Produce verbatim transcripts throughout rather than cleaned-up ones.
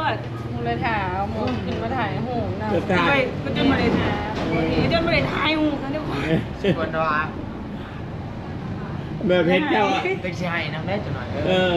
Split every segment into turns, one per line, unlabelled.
ษมูเลยถามหมูกินมาถ่ายหูนะ
จะถ่าย
ก็จะมาเลยถามจนมาเลยถ่ายหูกันเดี๋ยวก่อน
คนว่า
แบบเพชรเจ้าอ่ะ
เป็นชายน้ำได้จังหน่อย
เออ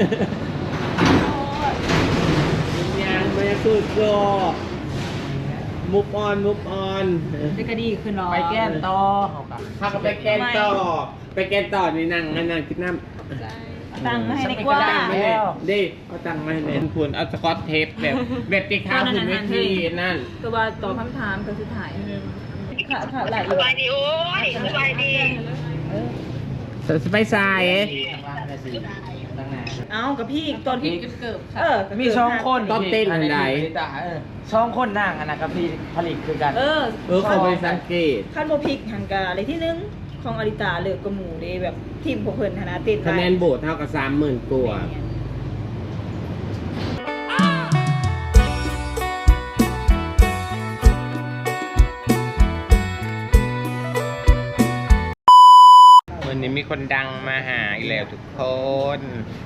ยังไม่สุดก็มุกออนมุกออน
จะกระดีขึ้นหรอ
ไปแก้มต่อเขากับ
ถ้าก็ไปแกนต่อไปแกนต่อในนั่งนั่งกินน้ำ
ตังค์ให้ดีกว่า
ตังค์มาเลยดิเอาตังค์มาให้เลยคุณเอาสกอตเทปแบบแบบที่ข้าวคุณไม่ทีนั่น
ตัวว่าตอบคำถามก็คือถ่ายค่ะค่ะหลาย
สบายดีโอ้ยสบายดี
สไปซาย
เอ้ากับพี่ตอนพี่เกิดค่ะเออ
มีช่องคน
ต้องเต้นอันใด
ช่องคนนั่งอันนะครับพี่ผลิตคือกัน
เออ
เออเขาไปสังเกต
ขั้นโมพิกหังกาอะไรที่หนึงของอริตาเลือกกระหมูเลยแบบทีมพวกเพิ่นธนาเต้น
คะแนนโบสเท่ากับสามหมื่นกว่าวันนี้มีคนดังมาหาอีกแล้วทุกคน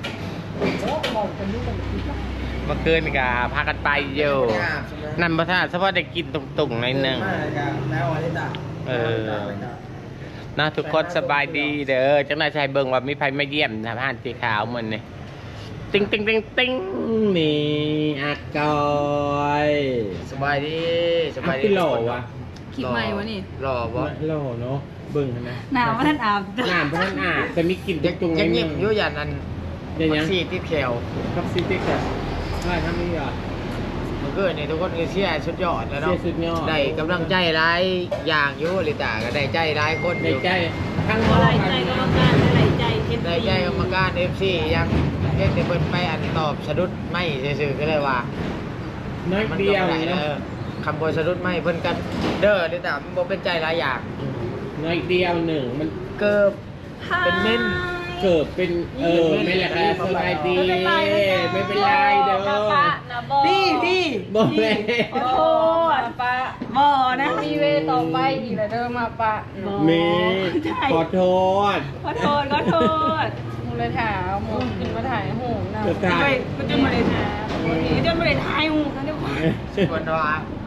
เมื่อคืนก็พากันไปอยู่นั่นพระธาตุเฉพาะได้กินตุ่งๆหน่อยหนึ่งเออนะทุกคนสบายดีเด้อจังนายชายเบิ่งว่ามีไผมาเยี่ยมทหารสีขาวมันนี่ติ้งติ้งติ้งติ้งนี่อากอย
สบายดีสบายดี
พี่หล่อวะ
คิดใหม่วะนี่
หล่อบ่
หล่อเนาะเบิ่งนะ
น้ำว่าท่านอาบ
น้ำพระท่านอาบแต่มีกลิ่น
ยัง
ตุ่งๆห
ยั
น่
ง
อยห
ยิ้
นึ่
ม
ง
อยู่อย่างนั้น
อย่างยัง
ซีติดแขว
ท็อกซิติกอะอะไรทำนี่อ่ะ
มันก็นี่ทุกคนคือเชียร์สุดยอดแล้วเนาะ
เชียร์สุดยอด
ได้กำลังใจร้ายอย่างอยู่ลิตาก็ได้ใจร้ายคนอ
ใน
ยู่
ใจข้าง
อะไรใจกรรมการอะไรใจเอฟ
ได้ใจกรรมการ เอฟ ซี ยังเพียงแต่เพิ่นไปอันตอบสะดุดไม่ซื่อๆก็เลยว่า
น้อย
มัน
เดียว
ก็บ่ได้
เนาะ
เออคำบนสะดุดไม่เพิ่นกันเด้อลิตามันบ่เป็นใจหลายอย่าง
น้อยเดียวหนึ่งมัน
เกิบ เป็นเม่น
เกิดเป็นเออไม่แหละครับสบายดีไม่เป็นไรเด้อ
พี่พี่
บอกเลย
ขอโทษปะบอนะมีเวต่อไปอีกแล้วเดิมมาปะ
เมขอโทษ
ขอโทษขอโทษมูเลยถามหมูกินมาถ่ายหูนะ
จะถ่าย
ก็จะมาเลยถามจนมาเลยถ่ายหูกันเดี๋ยวก่อน
คนว่า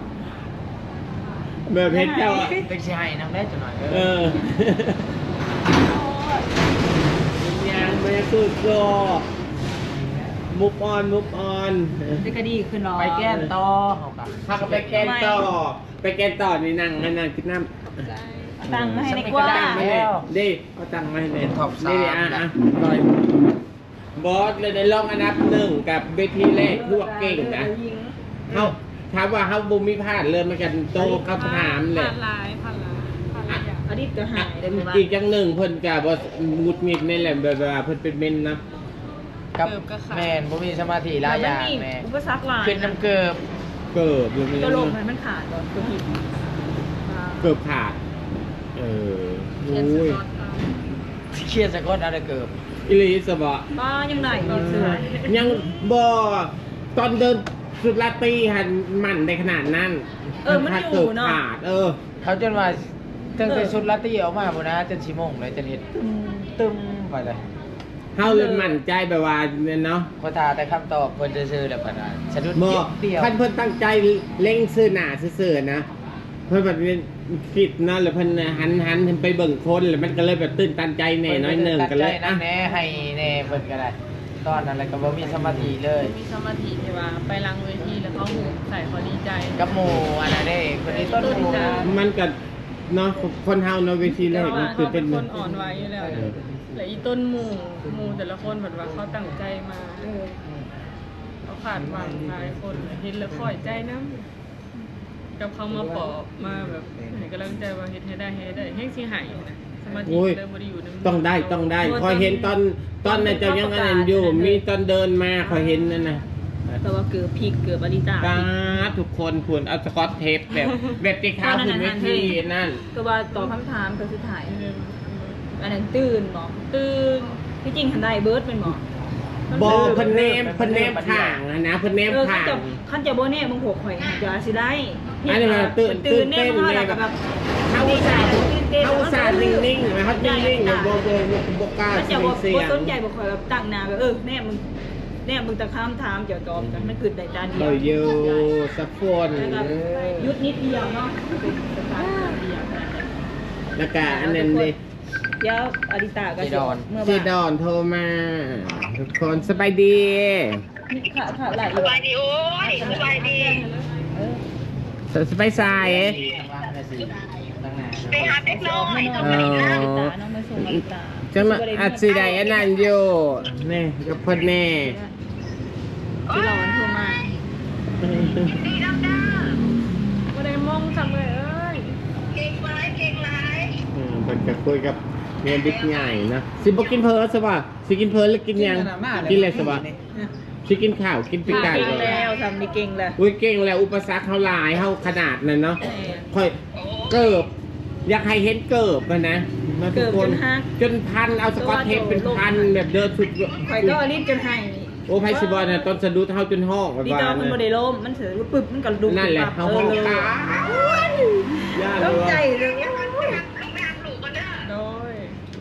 แบบเพชรเจ้าอ่ะ
เป็นชายน้ำได้จังหน่อย
เออยังไม่สุดก็มุกออนมุกออน
จะกระดีขึ้นหรอ
ไปแก้มต่อเขากับ
ถ้าก็ไปแกนต่อไปแกนต่อในนั่งนั่งกินน้ำ
ตังค์ให้ดีกว่า
ตังค์มาเลยดิเอาตังค์มาให้เลย
ท็อปสาม
นี่อ่ะอ่ะต่อยบอสเลยได้ลองอันดับหนึ่งกับเวทีแรกพวกเก่งนะเขาถามว่าเขาบุมีพลาดเลยมากันโตเขาถามเลย
ผ่านลายผ่านลายผ่านลายอดีตก็หายได้หมด
อีกอย่างหนึ่งเพิ่นกับบอสมุดมิดนี่แหละแบบว่าเพิ่นเป็นเมนนะ
กับแมนบ่มีสมาธิหลายอย่างแม่
อุปสรรคหลาย
ขึ้นน้ำเกิบ
เกิบเลย
ตัวลมมันขาดก่อนตัวหิน
เกิบขาดเออโอ้ย
เครียดสะกดอะไรเกิบ
อิลิสบะ
บ้ายังไหนมีเสือ
ยังบอตอนเดินสุดลาตีหันมันในขนาดนั้น
เออมันอยู่เนาะ
ขาดเออ
เขาจนว่าตั้งแต่ชุดลาตี้ออกมาบ่นะจนชิโมงเลยจนเห็นตึมไปเลย
เฮาเลยมั่นใจแบบว่าเนี่ยเนาะ
พอทาแต่คำตอบเพิ่นจะซื้อแล้วปานนั้นสะดุด
บ่
เดียว
ท่านเพิ่นตั้งใจเล็งซื้อหน้าซื่อๆนะเพิ่นแบบนี้คิดเนาะแล้วเพิ่นหันหันไปเบิ่งคนแล้วมันก็เลยแบบตื่นตันใจแน่น้อยหนึงก็เลย
นั่
อ่ะ
นแน่ให้แน่เพิ่นก็ได้ตอนนั้นแล้วก็บ่มีสมาธิเลย
มีสมาธิที่ว่าไปลังเวทีแล้วเขาหูใส่เขาดีใจ
กับหมู่อันนั้นเด้คนนี้ต้นหมู่
มันก็เนาะคนเฮาเนาะเวทีแร
แต่
ก
ว่า
มันคือ
เขา
เป็
เป็น นคนอ่อนไหวอยู่แล้วและอีต้นหมู่หมู่แต่ละคนแบบว่าเขาตั้งใจมาเขาขาดหวังหลายคนเห็นแล้วค่อยใจน้ำกับเขามาปอบมาแบบให้กำลังใจว่าเฮ็ดให้ได้ให้ได้ให้สิหายนะสมาธิ
โอ้ย
เลยบ่ได้อยู่ในมื
ต้องได้ต้องได้คอยเห็นตอนตอนนั้นเจ้ายังอันนั้นอยู่มีตอนเดินมาคอยเห็นนั่นน่ะ
แต่ว่าเกือบพีกเกือบอริตา
ตาทุกคนควรเอาสกอตเทปแบบแบบที่ข้าวคุณเวทีนั่น
ตัวว่าตอบคำถามก็คือถ่ายอันนั้นตื่นหมอตื่นที่จริงทันได้เบิร์ดเป็นหมอ
บอเพิ่นเนมเพิ่นเนมข้างอะนะเพิ่นเนม
เออ
ข้า
ขั้น
ง
จะขั้นจะโบเน่มึงหกข่อยจะสิได้
อันนี้มันตื่น
ตื่น
ตื่
เน่
นเต้น
มึง
เลย
แล้ว
แบ
ก็
บ
แบบ
เฮาสาดเฮาสาดนิ่งๆนะครับนิ่งๆแบบบ่บ่บ่กล้า
ขั้นจะ
เสียง
บ่
เสีย
บ่
ง
สนใจบ่ข่อยแบบตั้งหน้าแบบเออแน่มึงแเนี่ยมึงตะข้ามถามเกี่ยวกับกันมันคือแต่จานเดียว
เบอร์ยูสัฟฟอน
ยุดนิดเดียวเนาะเป็นสตาร์ทเดียว
แล้วก็อันนั้นดิ
เดี๋ยวอาริตาก็เมื่อ
เจ
บ่าย
ดอนโทรมาทุกคนสบายดี
ค่ะค่ะหลาย
สบายดีโอ้ยสบายดี
สบายสายเอ๊ะ
ไปหาเด็กน้อย
น้องอาริตาน้องมาส่งอาริตา
จะมาอัดสีใดอันนั้นอยู่นี่กับเพ่นแน่
ที่เราวันโทรมา
ดีดังด้า
บ่ได้มองจังเลยเอ้ย
เก่งไรเก่งไร
อืมเพิ่นก็คุยกับเมียบิ๊กใหญ่นะสิบ่กินเพลินสบ่สิกินเพลินหรือกินยังกินอะไรสบ่สิกินข้าวกินปีกไก่
เก่ง
ก่อน
แล้วทำนี่เก่งแล้ว
อุ้ยเก่งแล้วอุปสรรคเขาหลายเขาขนาดนั้นเนาะค่อยเกิบอยากให้เห็นเกิบมันนะมาทุกคนจนพันเอาสกอตเทปเป็นพันแบบเดินสุด
ข่อยก็รีบจนให้
โอ้ไพซิบอลเนี่ยต้นสะดุดเท่าจนห้องแบบ
ดี
ว่า
จอมันบ่ได้ล้มมันเสือปึบมันก็ดุ
นั่นแหละเขาห้องตาย่าเล
ต้อง
ย
ใจเลย
ต้องไปหาลูกกันเด้อ
โดย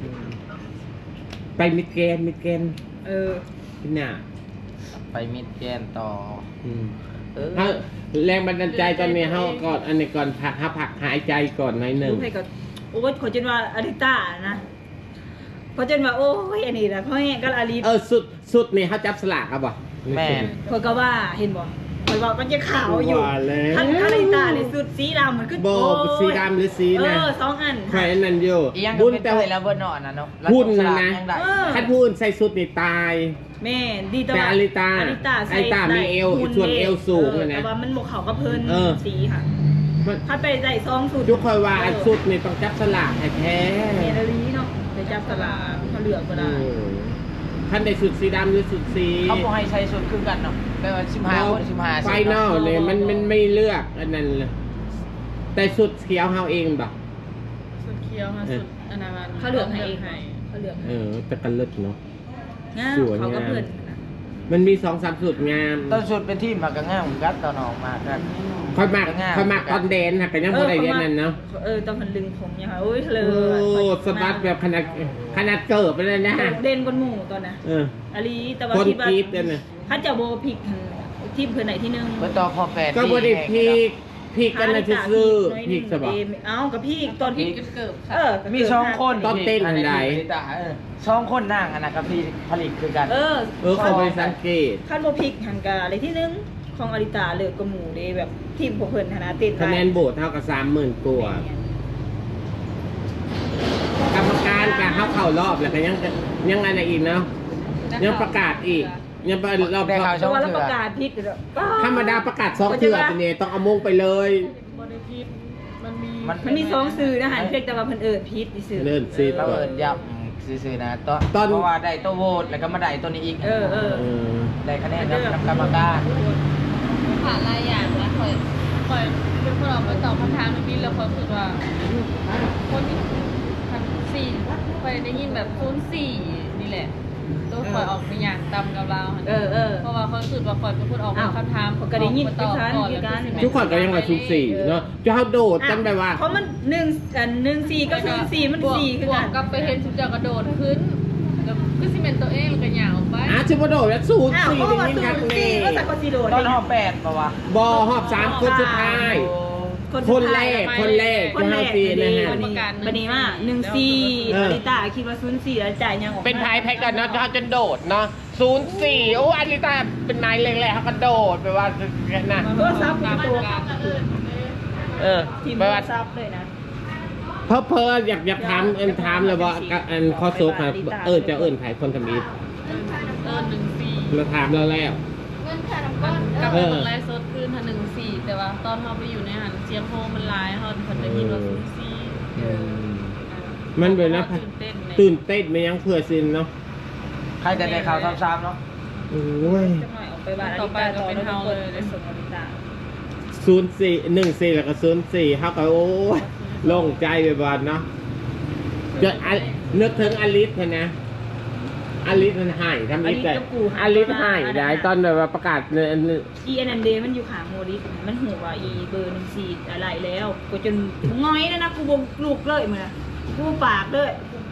ไปมิดเกนมิดเกน
เออ
พี่น่ะ
ไปมิดแกนต่อ
อืม
เออ
ถ้าแรงบันดาลใจตอนนี้เขาก่อนอันนี้ก่อนพักหาผักหายใจก่อนหน่อยหนึ่ง
รู้ให้ก็โอ้ยขอจนว่าอาริตานะขอจนว่าโอ้ยอันนี้แหละพ่อแห้งก็อาริ
เออสุดสุดนี่เขาจับสลากครับบ่
แม่น
ข่อยก็ว่าเห็นบ่ข่อยว่ามันจะขาวอยู่
ว่าแล้ว
ท่านอาริตาในสุดสีดำมันคือ
โบ
โอ้ย
สีดำหรือสี
เอ
นะ
อสองอัน
ใครนั่นอยู่
อีหยัง
บุ
บุ
ญ
ญ
แต่
แต่
ว่า
แล้วเบอร์นอนนะเนาะ
หุ้นนะนะ
ยังได้
เออ
ถ้าพูดใส่สุดนี่ตาย
แม่ดีแต่
แต่
ว่า
อาริตา
อาริตาใส่
อาริตามีเอว
หุ่น
ส่วนเอวสูง
เออ
นะ
แต่ว่ามันบกเขาก็เพิ่น
เออ
สีค่ะ
มัน
ถ้าไปใส่ซองสุด
ทุกคนว่าอันสุดนี่ต้องจับสลากแท้
เมลลีเนาะไปจับสลากเขาเหลือกก็
ๆ
ได้
ท่านได้สุดสีดำหรือสุดสี
เขาบอกให้ใช้ชุดคือกันเนาะแปลว่าสิบห้าคนสิบห้า
ไฟนอลเนี่ยมันมันไม่เลือกอันนั้นเลยแต่สุดเขียวเฮาเองบ่
สุดเคี้ยวค่ะสุดอนามัน
เขาเหลือกให้เองเขาเหลือก
เออแต่กันเลิศเนาะ
งาม
สวย
เขาก็
งาม
เพิ่น
มันมีสองสามสุดงาม
ตอนชุดเป็นที่มากระง่ายผมกัดตอนออกมากัน
ค่อยมาก
งาม
ค่อยมากตอนแดนค่ะแต่ยังบ่ได้เรียนนั่นเนาะ
เออตอนเพิ่นลึงผมเนี่ยค่ะโอ้ยเล
โอ้
ย
สบัดแบบขนาดขนาดเกิบไปเลยนะ
เด่นกว่าหมู่ตอนน่ะ
เออ
อาลีแต่ว่า
คน
คิดว่าก
รี๊ดเลยนะ
ถ้าจะโบพิกทีมเพิ่นไหนที่หนึง
เบอร์ต่อพอแปด
ก็บ่ได้พีกพีกกันนะซื่อๆพีกสบัด
เอ้ากับพี่ตอนพี่
เกิบ
เออ
มีสองคน
ตอนเต้นอันใด
เออสองคนนั่งอันนั้นกับพี่ผลิตคือกัน
เออ
เออเขาไปสังเกต
ขั้นโบพิกหันกาอะไรที่หนึงของอาริตาเลิกกับหมู่เด้แบบทีมพวกเพิ่นคณะเต้น
คะแนนโบสเท่ากับสามหมื่นกว่ากรรมการกับเขาเข้ารอบแล้วก็ยังยังอะไรอีกเนาะยังประกาศอีกยังประรอบ
ได้ข่าว
เพราะว่าเราประกาศพิกเด้อ
ธรรมดาประกาศสองเถื่อไปเนี่ยต้องเอามงไปเลย
บริพิษมันมี
มันมีสองสื่อนะหันเพียงแต่ว่าเพิ่นเอิ้นพิษนี่สื่อ
เลื่อนซี
เรา
ก่อน
เอินยับซื่อๆนะตอน
ตอน
เพราะว่าได้ตัวโหวตแล้วก็มาได้ตัวนี้อีก
เออเออ
เออ
ได้คะแนนกับกรรมการ
ผ่านหลายอย่างแล้วคอยคอยเป็นคนออกมาตอบคำถามนี้แล้วคอยรู้สึกว่าคนที่พันสี่คอยได้ยินแบบคูณสี่นี่แหละตัวคอยออกไปอย่างตำกับเรา
เออเออ
เพราะว่าเขารู้สึกว่าคอยเป็นคนออกมาคำถาม
ก็ได้ยิน
ตอบ
คือกัน
ก่อน
คือ
แล้ว
กัน
สิแม่
ทุกคนก็ยังว่าสูสี่เนาะจะเขาโดดจำได้ว่า
เพราะมันหนึ่งอันหนึ่งสี่ก็คือสี่มัน
บวก
สี่คือบ
ว
กั
ก
น
กับไปเห็นชุดจากกระโดดขึ้นแล้วก็สิเป็นตัวเองแล้วก็หยาวออกไป
อาชิบโดดแล้วสู
อ้าว
สี่
เพราะ
ได้
ว่า
ยิน
ศู
กัน
นย์
แน่
สี่ก็สักคนสี่โดด
ตอนหอบแปดปะวะ
บอหอบสามคนสุดท้าย คนแรกคนแรก
คนแรก
ที่
บั
เฮาตี
น
นะ
นี้
ฮะ
บันนี้ว่าหนึ่งสี่
เออ
อาริตาคิดว่าศูนย์สี่แล้วจ่ายยังออกมา
เป็นพายแพ็กกันเนาะเขาจนโดดเนาะศูนย์สี่โอ้อาริตาเป็นนายเล็กๆเขาก็โดดไปว่านะ
โทรศัพท์เป็นตัว
เออ
ทีม
ไป
โทร
ว่า
ศัพท์เลยนะ
เพอเพออยากอยากถามเอ็นถามเลยว่าอันข้อโซกครับเออจะเอิญไผคนทำอีท
เออหนึ่งสี่
เราถามเราแล้ว
กับ
เออ
คนไลฟ์สดขึ้นทันหนึ่งสี่แต่ว่าตอนเราไปอยู่ในหันเสียงโฮมันไลฟ์เขาคนได้ยินว่าศูนย์สี่
มันเป็นนะ
ตื่นเต้นเลย
ตื่นเต้นไม่ยังเผื่อซินเนาะ
ใครจะได้ข่าวซ้ำๆเนาะ
โอ้ย
จะหน่อยออกไปบ้านอาริตาต่อแล้วทุกคนไปส่งอาริตา
ศูนย์สี่หนึ่งสี่แล้วก็ศูนย์สี่เขาก็โอ้ยโล่งใจไปบ้านเนาะจะอะนึกถึงอลิสนะอลิสมันหายทำอีแต่อลิสหายได้ตอนแบบว่าประกาศเนี่ย
อีเอ็นเดมันอยู่ขางโมดิสมันหัวอีเบอร์หนึ่งสี่อะไรแล้วกูจนง้อยนะนะกูบงลูกเลยมึงนะกูปากเลย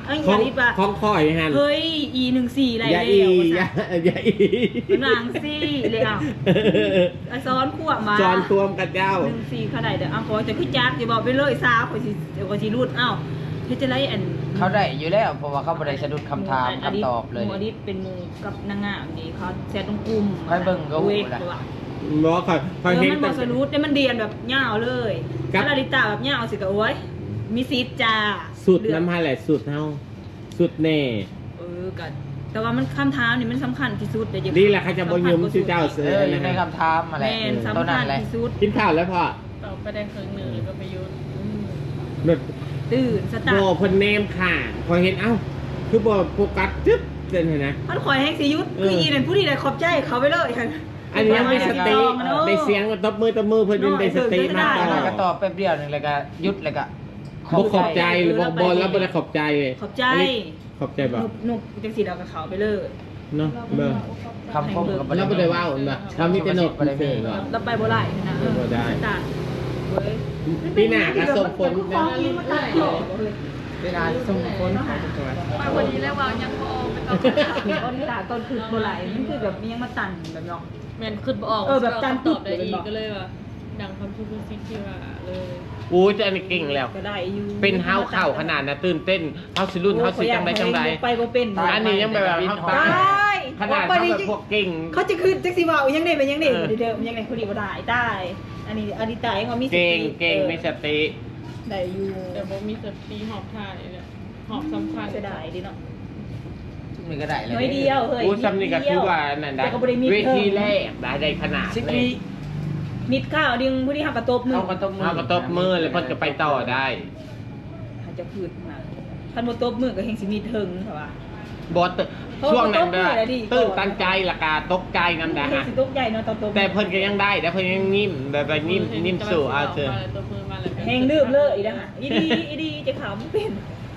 เอ้ย
ข
อ
อง
ย่าดิว่า
ของข่อยฮัน
เฮ้ย อีหนึ่งสี่ไร
อย่า
แล้
อี
ว
อย่าอย่าอี
เป็นนางซี่เลยอ่ะไอซ้อนขวบมา
จอนตวมกับเจ้า
หนึ่งสี่เขาได้เดี๋ยวเอาขอจะขึ้นจักอย่าบอกไปเลยซาขอสิเดี๋ยวขอสิรูดเอ้าเฮ็ดจะไรอัน
เขาได้อยู่แล้วเพราะว่าเขาบ่ได้สะดุดคำถามคำตอบเลย
หมูอดิษเป็นหมูกับนางงามนี่เขาแชร์ตรงกลุ่ม
ให้เบิ่งก็หู
เวก
แหละ
ว่ะ
บอกข่อยข่
เอ
อย
อ
เห็น
มันบ
แต่
อกสรุปเนี่ยมันเดียนแบบยาวเลย
ครับ
ถ้าลาลิตาแบบยาวสิก็โอ้ยมีซีดจ้า
สุด
เลือก
น้ำพายแหละสุดเฮาสุดแน่
เออกันแต่ว่ามันคำถามนี่มันสำคัญที่สุดเดี๋ยวจะ
นี่แหละเขาจะบยืมชื่อเจ้า
เอ
เสือ
ออยู่
นะ
ใน
ฮะ
คำถามมาแหละ
แม่น
ตัว
สำ
นั้
คั
น
ญ
แหละ
ที่สุด
กินข้าวแล้วพ่อ
ต่อไปได้ครึ่งหนึ่งแล้วก็ไปยุด
แบบ
ตื่นส
โบ
ตาร์ท
เพิ่นเนมค่ะพอยเห็นเอ้าคือบ่โฟกัสจึ๊บเด่นเห็นนะ
มันคอยให้สิยุทธ
เออ
คืออีนั่นผู้ที่ได้ขอบใจเขาไปเลยค่ะ
อันนี้ยังไม่สติ
มันออ
ได้เสียงตบมือตบมือเพิ่นยังได้สติมาก
ได้
แล้ว
ต่
ก็
อ
ตอบแป๊บเดียวหนึงแล้วก็หยุดแล้วก็
บ่ขอบใจหรือบ่บ่แล้วบ่ได้ขอบใจเลย
ขอบใจ
นนี้ขอบใจบ่
นุกนุกจังสีเรากับเขาไปเลย
เนาะเบิ่ง
คำคมกับ
แล้วบ่ได้ว่าอุ่นบ่ทำมีแต่นก
บ่ได้มี
เฉยๆ
เราไปบ่ได้นะเออ
บ่ได้
สตาร์ทเว้ย
ปีหน้าก็ส่งผลนะ
เวลาส่งคน
มาวันนี้แล้วว่ายังพอเป็นตอน
เห็นออนิตาตอนคือบ่ไหลมันคือแบบมียังมาตันแบบเนาะ
แมนขึ้นบ่ออก
เออแบบการ
ตอบได้
ตึกเลย
อี
บอก
กก็เลยว่าดังคำพูดพูดซิที่ว่าเลย
โอ้ยแต่อันนี้เก่งแล้ว
ก็ได้อยู่
เป็นเฮาเข้าขนาดน่ะตื่นเต้นเฮาสิรุ่นเฮาสิจังไดจังได
ไปบ่เป็น
อันนี้ยังแบบว่าเฮา
ได้
ตายขนาดเฮาแบบพวกเก่ง
เขาจะคือจักสิว่ายังได้เป็นยังได้
เออ
เดิมยังไงคนดีบ่ได้ได้อันนี้อดิตายังว่ามีสติ
เก่งเก่งมีสติ
ได้อยู่
แต่บ่มีสติหอบถ่ายเนี่ยหอบสำคัญ
เสียดายดิเนาะ
ทุกมือก็ได้เลย
น้อยเดียวเฮ้ย
อู้ซ้ำนี่ก็คือว่านั่นได้
แต่ก็บ่ได้มี
เวที
เพิ่ม
แรกได้ได้ขนาด
สิบ
เล
ปี
ย
มิดข้าวดึงผู้ที่หักกระตบมือ
เอากระตบมือ
เฮาก็ตบมือแล้วเพิ่นก็ไปต่อได้
อาจจะพืดมาคันบ่ตบมือก็เฮงสิมีเทิงค่ะว่า
บ่ต
เพราะว่า
ช่วงนั้นแบบ
ตบมือได้ดี
ตื่นตันใจและกาตกใจนำดา
เฮง
ฮะ
สิตกใหญ่เนาะตอนตบ
แต่เพิ่นก็ยังได้แต่เพิ่นยังนิ่มแบบว่านิ่มนิ่มสู่เอาเถอะ
ตัวมือมาแล้วก็
เฮงลืมเลยอีนะฮะอีดีอีดีจะขำเป็น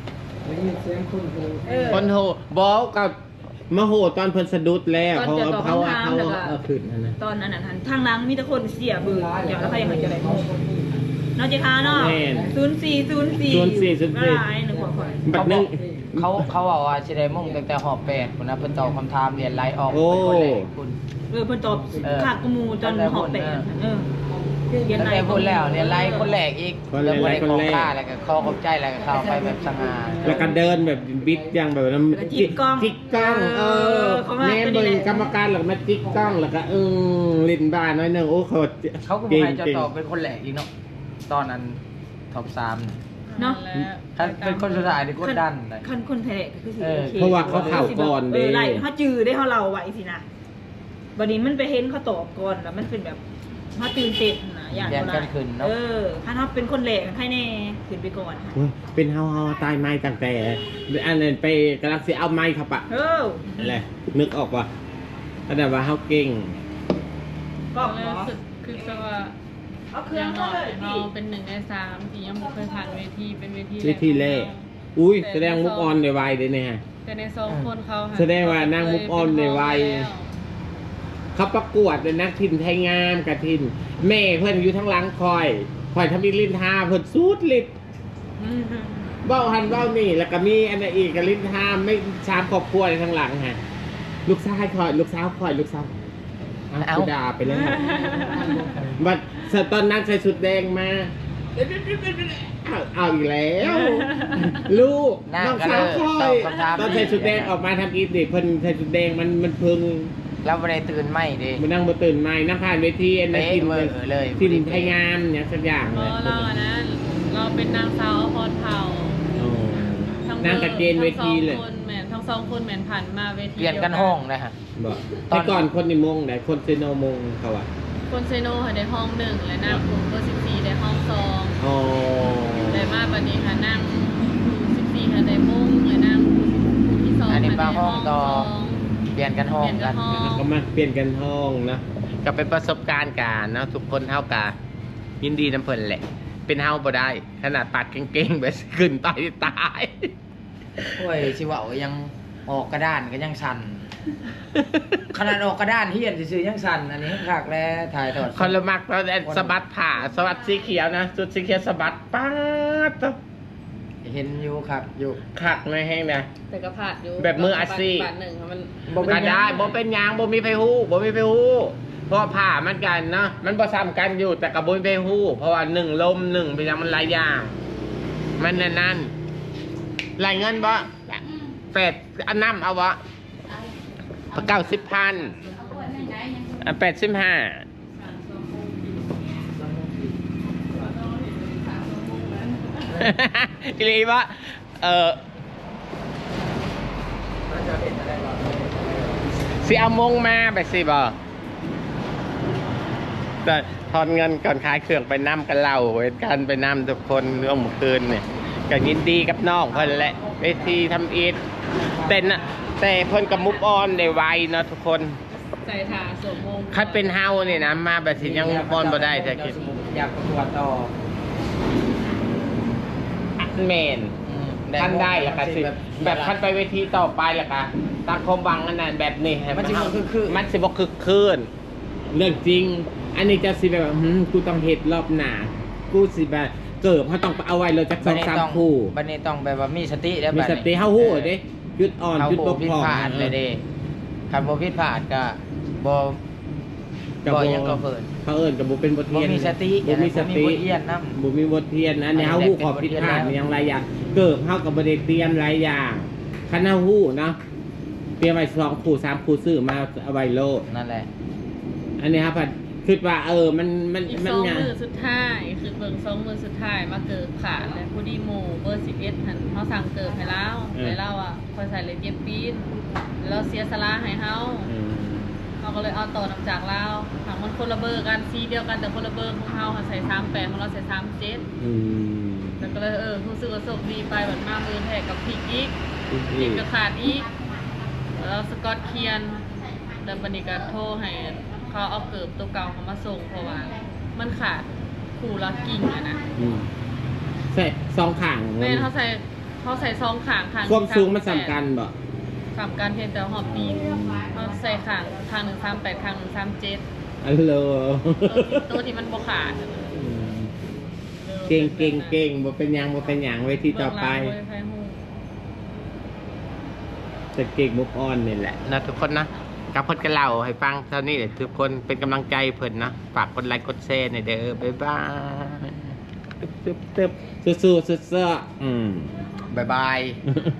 เออ
คนโหบอกกับมาโหตอนเพิ่นสะดุดแล้ว
ตอน
เขา
จะ
เอา
ตอบ
เขา
คำถาม
เอา
แล้วก็
เอาขึ้นนั่นนะ
ตอนนั้นน่ะทันทางหลังมีแต่คนเสียเบื่อเดี๋ยวแล้วใครยังไงจะได้เนาะเจ้าค่ะเนาะศูนย์สี่ศูนย์สี่
ศูนย์สี่ศูนย์สี่
ร้ายหนึ่งหัวข่อย
บัดนึง
เขาเขาบอกว่าสิได้มุ่งตั้งแต่หอบแปดคนนะเพิ่นตอบคำถามเรียนไล่ออก
โอ้
เป็นคนแรกคุณ
เออเพิ่นตอบ
เออ
ขาดกระมูจนหอบแปดเออเรียน
ตั้ง
ไหน
แต่พูดแล้วเรียนไล่คนแรกอีก
คนแรก
แล้วบ่ได้
คน
ของ
แรก
ค่าแล้วก็ขอขอบใจแล้วก็เข้าไปแบบสง่า
แล้วก็เดินแบบบิดอย่างแบบนั้น
แล้วก็จิกกล้อง
จิกกล้องเออ
เขามา
แม่
ตัวนี้
เบิ่ง
แหละ
กรรมการหรอกมาจิกกล้องแล้วก็เออลิ้นบ้านน้อยหนึงโอ้เขา
เขาก็บอกให้เจ้าตอบเป็นคนแรกอีกเนาะตอนนั้นท็อปสาม
เนาะ
ถ้าเป็นคนสุดท้ายนี่กดดันเลย
คันคนแพ้ก็คือสิ
เออ
โอค
เพราะว่าเขาเข่าก่อน
เอ
เด้
อไล่เขาจือได้เขาเราไว้สินะบัดนี้มันไปเห็นเขาตอบก่อนแล้วมันเป็นแบบเขาตื่นเต้นนะอย่าง
แย่งกันขึ้นเนาะ
เออถ้าเขาเป็นคนแหลกใครแน่ขึ้นไปก่อน
โอ้ยเป็นเฮาเฮาตายไม้ตั้งแต่อันนั้นไปกำลังสิเอาไม้ครับปะ
เออ
อะไรนึกออกว่าอันนั้นว่าเฮาเก่ง
ก็
ก็
เหรอ
รู้สึกคือจะว่า
เอาเค
อ
รื่อง
ย่าง
เข้า
น้อ
เลย ย
เรา
พี่
เป็นหนึ่งในสามที่ยังไม่เคยผ่านเวทีเป็นเวที
เวทีแรก อุ้ยแสดงมุกออนในวัยเลยเนี่ย
แต่ในสองคนเขาห
แสดงว่านั่งมุกออนในวัย เขาประกวดเลยนักทินไทยงามกะทิน แม่เพื่อนอยู่ทั้งหลังคอยคอยทำอีลิ้นทาเพื่อนสูดลิ้น
อืม
เบ้าหันเบ้านี่แล้วก็มีอันนั้นอีกกับลิ้นทาไม่ชามครอบครัวในทั้งหลังฮะลูกชายคอยลูกสาวคอยลูกสาวเอา
เอา
กูด่าไปแล้วบัดตอนนั้นใส่ชุดแดงมาเอาเอาอีกแล้ว ลูก
หน้า
น้อง
ก็
สาว
เลย
คอ
ตอย บคำถาม
ตอนใส่ชุดแดงออกมาทำอีดิเพิ่นใส่ชุดแดงมันมันเพึง
แล้วบ่ได้ตื่นไม่ดิ
มันนั่งมาตื่นใหม่นั่งผ่านเวทีอันนั้น
เป๊ะ
กิน
เวอร์เลย
กินไทยงามอย่างสักอย่าง
เพ
เลย
ราะเราอันนั้นเราเป็นนางสาวอภรเผ่า
โอ้
ทั้ง
นั่งกับเจนเวทีเลย
ทั้งสองคนแหมนทั้งสองคนแหมนผ่านมาเวที
เปลี่ยนกันห้องนะฮะ
บอก
ตอน
แต่ก่อนคนในมงไหนคนเซโนมงเขาอะ
คนเซโนค่ะได้ห้องหนึ่งและนางกลุ่มเบอร์สิบสี่ได้ห้องสอง
อ๋อ
ได้มาบันนี้ค่ะนั่งสิบสี่ค่ะได้มุ่งและนั่งที่สอง
อันนี้
ค่ะ
บา
ได้
งห้องต่อ
สอง
เปลี่ยนกันห้อง
เปลี่ยนกั
กัน น
ห้อง
ก็มาเปลี่ยนกันห้องนะก็เป็นประสบการณ์กันเนาะทุกคนเท่ากันยินดีน้ำเพลินแหละ เป็นเฮาบ่ได้ ขนาดปัดเก่งๆแบบขึ้นไปตาย
โอ้ยชิวะยังออกกระดานก็ยังสั่น ขนาดออกกระดานเฮียนซื่อๆยังสั่นอันนี้ขากแล้วถ่ายทอด
คนละมักเราแต่สะบัดผ่าสะบัดสีเขียวนะจุดสีเขียวสะบัดป๊าด
เห็นอยู่ครับอยู่
คักในแห้งนะ
แต่ก็ผาดอยู่
แบบมืออาชีพ
บาทหนึ่งมัน
ก็ได้บ่เป็นหยางบ่มีไผฮู้บ่มีไผฮู้เพราะผ้ามันกันเนาะมันบ่ซ้ำกันอยู่แต่ก็บ่มีไผฮู้เพราะว่าหนึ่งลมหนึ่งเป็นหยังมันหลายอย่างมันนั่นนั่นรายเงินบ่แปดอันน้ำเอาบ่เก้าสิบพันอ่ะแปดสิบห้าอีหลีบ่เออสิเอามงมาไปสิบ่แต่ทอนเงินก่อนขายเครื่องไปน้ำกันเล่าเวทกันไปน้ำทุกคนเรื่องเมื่อคืนเนี่ยก็ยินดีกับน้องเพิ่นแหละเวทีทำอีทแต่นะแต่เพิ่นกับมุกออนได้ไวเนาะทุกคน
ใส่ถาสวมมง
คัดเป็นเฮาเนี่ยนะมาแบบสิยังมุกออนบ่ได้แต่คิด
อยากประกวดต่อ
แมน
อืม
ท่านได้แล้วก็สิแบบท่านไปเวทีต่อไปแล้วก็ตามความหวังอันนั้นแบบนี้ให้
มันจะคือคือ
มันสิบ่คึกคืนเรื่องจริง อันนี้จะสิแบบว่าหืมกูต้องเฮ็ดรอบหน้ากูสิแบบเกิดเขาต้องเอาไว้เลยจักสองสามคู่
บันนี้ต้องแบบว่ามีสติแล้ว
มี
บัด
ส
นี้
ติเฮาฮู้เด้จุดอ่อน
เขา
จุด
โบบ
ก
ผิด
พร่อง
พลาดเลยเด้คันบ่ผิดพลาดก็บ่
ก็
บ่ยังก็เพิ่น
เขาเอิ้นก็บ่เป็นบท
บ่
เรียน
มีสติ
บ่มีสติ
บ่มีบทเรียนนำ
บ่มีบทเรียนอันนี้เฮาฮู้ขอบผิดพลาดอย่างหลายอย่างเกิดเฮาก็บ่ได้เตรียมหลายอย่างคันเฮาฮู้เนาะเตรียมไว้สองคู่สามคู่ซื้อมาเอาไว้โลด
นั่นแหละ
อันนี้ครับคิดว่าเออมันมัน
อีก
มั
ส
น
อง
ไง
มือสุดท้ายคือเบิ่งสองมือสุดท้ายมาเกิดขาดและผู้ดีโมเบอร์สิบเอ็ดหันเขาสั่งเกิดให้เล่าให้เล่าอ่ะคอยใส่เลยเย็บปีนแล้วเสียสละให้เฮา
อืม
เขาก็เลยเอาต่อนำจากเราถามมันคนละเบอร์กันซีเดียวกันแต่คนละเบอร์ของเฮาค่ะใส่สามแปดของเราใส่สามเจ็ด
อืม
แล้วก็เลยเออรู้สึกว่าโชคดีไปแบบมามือแทกกับพริกอีก
อีก
พริกก็ขาดอีกแล้วสกอตเคียนแล้วบันนี้ก็โทรให้เขาเอาเกิบตัวเก่าเขามาส่งเพราะว่ามันขาดคู่ละกิ่งอะนะ
อืมใส่สองข้าง
แม่นเขาใส่เขาใส่ซองขางขาง
ความสูงมันสำคัญบ่
สำคัญเพียงแต่หอบปีนเขาใส่ขางขางหนึ่งสามแปดขางหนึ่งสามเจ็ด
อัลโหล
ตัวที่มันบกขาด
อืมเก่งเก่งเก่งบ่เป็นหยังบ่เป็นหยังไว้ที่ต่อไป
เบื้งหลังเว้ยไฟหู
จะเก่งมุกออนนี่แหละนะทุกคนนะกับเพิ่นก็เล่าให้ฟังเท่านี้แหละทุกคนเป็นกำลังใจเพิ่นนะฝากกดไลค์กดแชร์หน่อยเด้อบ๊ายบายตึ๊บตึ๊บตึ๊บสู้ๆสู้ๆอืม
บ๊ายบาย